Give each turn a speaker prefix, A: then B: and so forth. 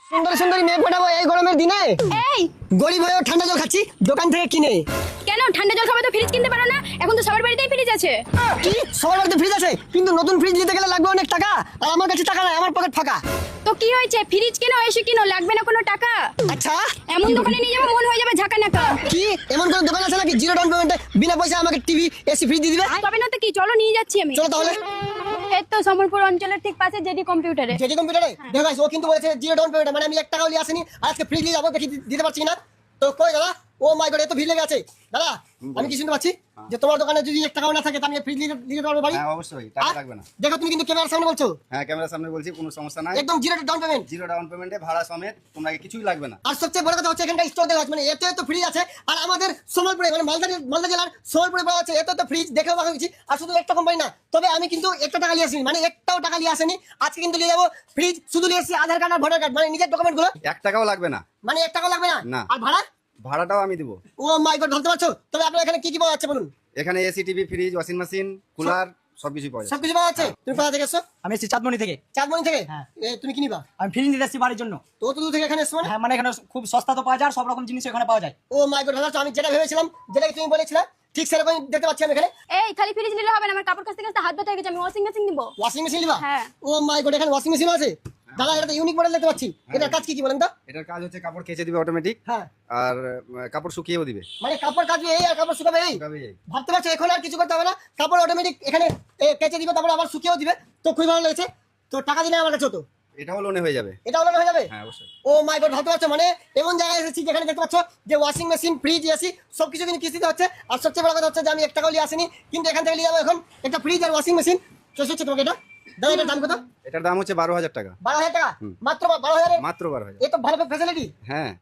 A: সুন্দর সুন্দরী মেয়ে পটাবো এই গরমের দিনে?
B: এই
A: গরিব হয়েও ঠান্ডা জল খাচ্ছি দোকান থেকে কিনে।
B: কেন ঠান্ডা জল খাবে তো ফ্রিজ কিনতে পারো না? এখন তো সবার বাড়িতেই ফ্রিজ আছে।
A: কি সবার বাড়িতে ফ্রিজ আছে, কিন্তু নতুন ফ্রিজ নিতে গেলে লাগবে অনেক টাকা, আর আমার কাছে টাকা নাই, আমার পকেট ফাঁকা।
B: তো কি হয়েছে, ফ্রিজ কেনো, এসি কিনো, লাগবে না কোনো টাকা।
A: আচ্ছা
B: এমন দোকানে নিয়ে যাবো মন হয়ে যাবে ঝাঁকা নাকা।
A: কি এমন কোন দোকান আছে নাকি জিরো ডাউন পেমেন্টে বিনা পয়সা আমাকে টিভি এসি ফ্রিজ দিয়ে দিবে?
B: তবে না তো কি, চলো নিয়ে যাচ্ছি আমি।
A: চলো তাহলে।
B: এই তো সমরপুর অঞ্চলের ঠিক পাশে জেডি কম্পিউটারে।
A: জেডি কম্পিউটারে দেখো guys, ও কিন্তু বলেছে জিরো ডাউন পেমেন্ট, মানে আমি 1 টাকাও নিয়ে আসিনি, আর আজকে ফ্রিজ নিয়ে যাবো, দেখি দিতে পারছি না। তো কই দাদা, ও মাই গড এত ভিড় লেগে আছে। দাদা আমি কি শুনতে পাচ্ছি যে তোমার দোকানে যদি 1 টাকাও না থাকে আমি ফ্রিজ নিতে পারবো বাড়ি?
C: হ্যাঁ অবশ্যই, টাকা লাগবে না।
A: দেখো তুমি কিন্তু ক্যামেরার সামনে বলছো।
C: হ্যাঁ ক্যামেরার সামনে বলছি, কোনো সমস্যা নাই।
A: একদম zero down payment.
C: Zero down পেমেন্টে ভাড়া সমেত তোমাকে কিছুই লাগবে না।
A: আর সবচেয়ে বড় কথা হচ্ছে এখানকার স্টক দেখা যাচ্ছে, মানে এত এত ফ্রিজ আছে, আর আমাদের সম্বলপুরে মানে মালদা জেলার সম্বলপুরে পাওয়া যাচ্ছে এত এত ফ্রিজ, দেখেও ভালো হয়েছি। আর শুধু একটা কোম্পানি না, তবে আমি কিন্তু একটা টাকা নিয়ে আসিনি, মানে একটাও টাকা নিয়ে আসেনি। আজকে কিন্তু নিয়ে যাবো ফ্রিজ, শুধু নিয়ে এসেছি আধার কার্ড আর ভোটার কার্ড, মানে নিজের ডকুমেন্ট গুলো।
C: 1 টাকাও লাগবে না।
A: মানে 1 টাকাও লাগবে না?
C: না।
A: আর ভাড়া?
C: ভাড়াটাও আমি দিব।
A: ও মাই গড, ভাবতে পারছো? তবে আপনার এখানে কি কি পাওয়া যাচ্ছে বলুন?
C: এখানে AC, TV, fridge, washing machine, cooler সবকিছু পাওয়া যায়।
A: সবকিছু পাওয়া যাচ্ছে। তুমি কোথা থেকে এসছো?
D: আমি এসেছি চাঁদমণি থেকে।
A: চাঁদমণি থেকে?
D: হ্যাঁ।
A: তুমি কি নিবা?
D: আমি ফ্রিজ নিতে এসেছি বাড়ির জন্য।
A: তো অত দূর থেকে এখানে এসছো মানে?
D: হ্যাঁ মানে এখানে খুব সস্তা তো পাওয়া যায়, আর সব রকম জিনিস এখানে পাওয়া যায়।
A: ও মাই গড, ভাবছো আমি যেটা ভেবেছিলাম, যেটা তুমি বলেছিলে ঠিক সেরকম দেখতে পাচ্ছি আমি এখানে।
B: এই খালি ফ্রিজ নিলে হবে না, আমার কাপড় কাচতে কাচতে হাত ব্যথা হয়ে গেছে, আমি ওয়াশিং মেশিন নিবো।
A: ওয়াশিং মেশিন নিবা?
B: হ্যাঁ।
A: ও মাই গড, এখানে ওয়াশিং মেশিন আছে? দাদা এটা তো ইউনিক মডেল দেখতে পাচ্ছি। এটার কাজ কি কি বলেন তো?
C: এটার কাজ হচ্ছে কাপড় কেচে দিবে অটোমেটিক,
A: হ্যাঁ।
C: আর কাপড় শুকিয়েও দিবে।
A: মানে কাপড় কাচবে এই আর কাপড় শুকাবে এই?
C: শুকাবে এই।
A: ভাবতে পারছো এখন আর কিছু করতে হবে না, কাপড় অটোমেটিক এখানে কেচে দিবে, তারপর আবার শুকিয়েও দিবে। তো খুবই ভালো লেগেছে। তো টাকা দিলে আমার কাছে তো
C: এটাও লোনে হয়ে যাবে।
A: এটা হলো হয়ে যাবে?
C: হ্যাঁ অবশ্যই।
A: ও মাই গড, ভাবতে পারছো মানে এমন জায়গায় এসেছি যেখানে দেখতে পাচ্ছ যে ওয়াশিং মেশিন, ফ্রিজ, এসি সবকিছু কিন্তু কিস্তিতে হচ্ছে। আর সবচেয়ে বড় কথা হচ্ছে যে আমি 1 টাকাও নিয়ে আসিনি, কিন্তু এখান থেকে নিয়ে যাবো এখন একটা ফ্রিজ আর ওয়াশিং মেশিন। চলছে হচ্ছে তোমাকে এটা দাদা, এটার দাম কত?
C: এটার দাম হচ্ছে 12,000 টাকা।
A: 12,000 টাকা? মাত্র 12,000?
C: মাত্র 12,000।
A: এ তো ভালো ফ্যাসিলিটি।
C: হ্যাঁ